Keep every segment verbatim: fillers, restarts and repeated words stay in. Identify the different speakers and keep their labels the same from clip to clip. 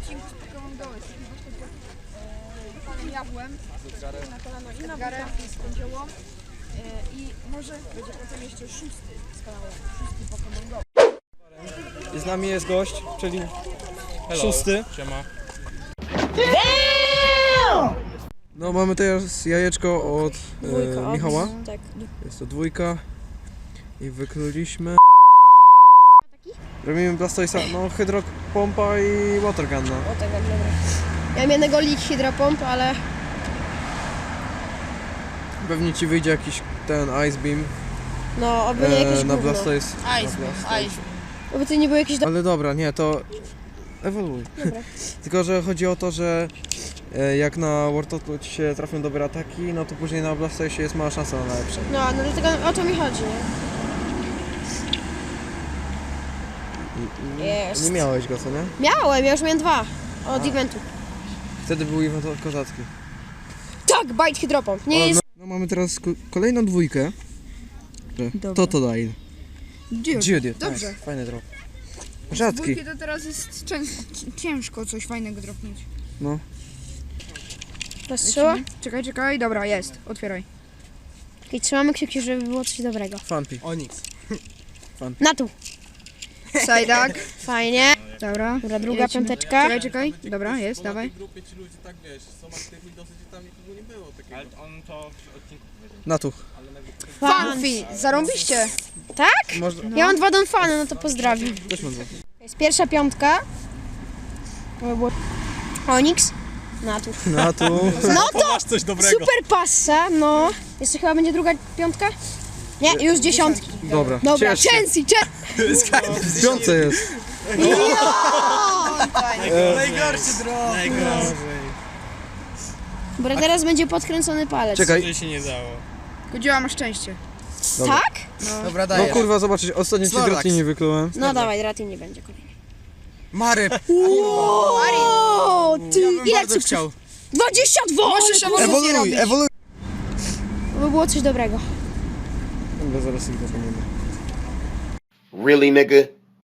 Speaker 1: odcinku z Pokémon Go. Jesteśmy właśnie pod panem Jawłem, na kolano i na garę z kądziołą. I może będzie potem jeszcze szósty z kanału, szósty Pokémon Go.
Speaker 2: I z nami jest gość, czyli
Speaker 3: Hello.
Speaker 2: szósty.
Speaker 3: Siema.
Speaker 2: No mamy teraz jajeczko od
Speaker 4: Dwójka,
Speaker 2: e, Michała.
Speaker 4: od- Tak.
Speaker 2: Jest to dwójka. I wykluliśmy. Robimy Blastoisa, no hydropompa i watergun. No.
Speaker 4: O tak, dobra. Ja mam jednego League Hydropomp, ale
Speaker 2: Pewnie ci wyjdzie jakiś ten Ice Beam
Speaker 4: no, oby nie jakieś
Speaker 2: e, na
Speaker 4: gówno.
Speaker 2: Blastoise.
Speaker 1: Ice, ice.
Speaker 4: Oby to nie było jakieś... Do...
Speaker 2: Ale dobra, nie, to ewoluuj.
Speaker 4: Dobra.
Speaker 2: Tylko, że chodzi o to, że e, jak na Wartotu ci się trafią dobre ataki, no to później na Blastoise jest mała szansa na lepsze.
Speaker 4: No, no dlatego o to mi chodzi, nie?
Speaker 2: I, i,
Speaker 4: Jest.
Speaker 2: Nie miałeś go, co nie?
Speaker 4: Miałem, ja już miałem dwa. Od
Speaker 2: A.
Speaker 4: eventu.
Speaker 2: Wtedy był event kozacki.
Speaker 4: Tak, Bite Hydropomp. Nie
Speaker 2: O,
Speaker 4: jest...
Speaker 2: no, no mamy teraz ko- kolejną dwójkę. Totodile. Judy.
Speaker 1: Dobrze.
Speaker 2: Nice. Fajny drop. Rzadki.
Speaker 1: Dwójki to teraz jest czę- ciężko coś fajnego dropnąć.
Speaker 2: No.
Speaker 4: Rozstrzała?
Speaker 1: Czekaj, czekaj, dobra, jest, otwieraj.
Speaker 4: I trzymamy kciuki, żeby było coś dobrego.
Speaker 2: Fanpi.
Speaker 3: Onyx.
Speaker 4: Na tu.
Speaker 1: Sajdak.
Speaker 4: Fajnie.
Speaker 1: Dobra.
Speaker 4: Dobra, druga
Speaker 1: Lecimy.
Speaker 4: piąteczka.
Speaker 1: Czekaj, czekaj, dobra, jest, dawaj.
Speaker 3: W grupie ci ludzie tak wiesz, są aktywni dosyć, że tam nikogo nie było takiego. Ale on to w odcinku powiedział.
Speaker 2: Na tu.
Speaker 1: Fanfi, zarąbiście.
Speaker 4: Tak?
Speaker 2: Można...
Speaker 4: Ja mam dwa Donfany, no to pozdrawiam.
Speaker 2: Też mam dwa.
Speaker 4: Jest pierwsza piątka. To by było... Onyx. Na tu.
Speaker 2: Na tu.
Speaker 4: No to
Speaker 3: Masz coś dobrego.
Speaker 4: super passa, no. Jeszcze chyba będzie druga piątka? Nie, już dziesiątki.
Speaker 2: Dobra.
Speaker 4: Dobra,
Speaker 2: Ciesz się.
Speaker 4: Chelsea, Chelsea.
Speaker 2: W piątce jest.
Speaker 3: Najgorszy drop. Najgorszy.
Speaker 4: Dobra, teraz będzie podkręcony palec.
Speaker 2: Czekaj.
Speaker 3: To się nie dało.
Speaker 1: Kodziła ma szczęście.
Speaker 2: Dobra.
Speaker 4: Tak?
Speaker 3: Dobra,
Speaker 2: No kurwa, zobaczysz, ostatnio ci
Speaker 3: Snorlax.
Speaker 2: drotki nie wyklułem.
Speaker 4: No dawaj, Ratin nie będzie kolejny.
Speaker 3: Maryb.
Speaker 4: O, ty, ile cukrów?
Speaker 3: chciał.
Speaker 4: dwadzieścia dwa!
Speaker 1: Możesz
Speaker 4: ale
Speaker 1: ewolucję
Speaker 3: Ewoluuj,
Speaker 1: robić.
Speaker 3: ewoluuj.
Speaker 4: To by było coś dobrego.
Speaker 2: Dobra, zaraz ich dokonimy.
Speaker 5: Really, nigga?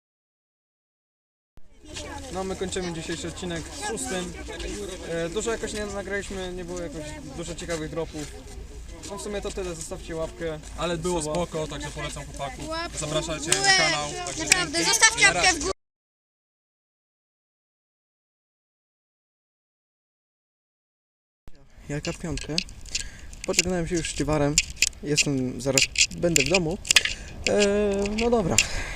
Speaker 2: No my kończymy dzisiejszy odcinek z szóstym. E, dużo jakoś nie nagraliśmy, nie było jakoś dużo ciekawych dropów. No w sumie to tyle, zostawcie łapkę.
Speaker 3: Ale było spoko, także polecam chłopaków. Zapraszajcie na kanał. Także
Speaker 4: Naprawdę, zostawcie łapkę w górę.
Speaker 2: Jaka piątkę? Pożegnałem się już z Ciwarem. Jestem, zaraz będę w domu. E, no dobra.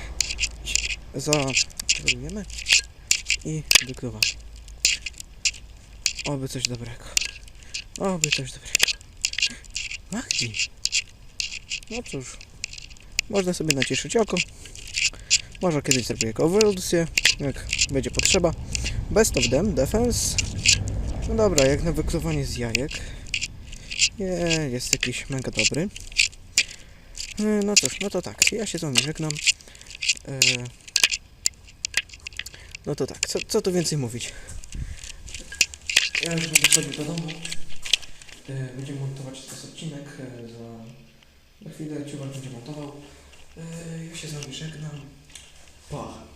Speaker 2: Załadujemy i wykluwamy. Oby coś dobrego. Oby coś dobrego. Magdi. No cóż. Można sobie nacieszyć oko. Może kiedyś zrobię jako ewolucję, jak będzie potrzeba. Best of them, defense. No dobra, jak na wykluwanie z jajek. Nie, jest jakiś mega dobry. E, No cóż, no to tak, ja się z wami żegnam. E, No to tak, co, co tu więcej mówić? Ja już będę wchodził do domu. E, Będziemy montować teraz odcinek. e, Za, za chwilę Ciubar będzie montował. E, Ja się z wami żegnam. Pa!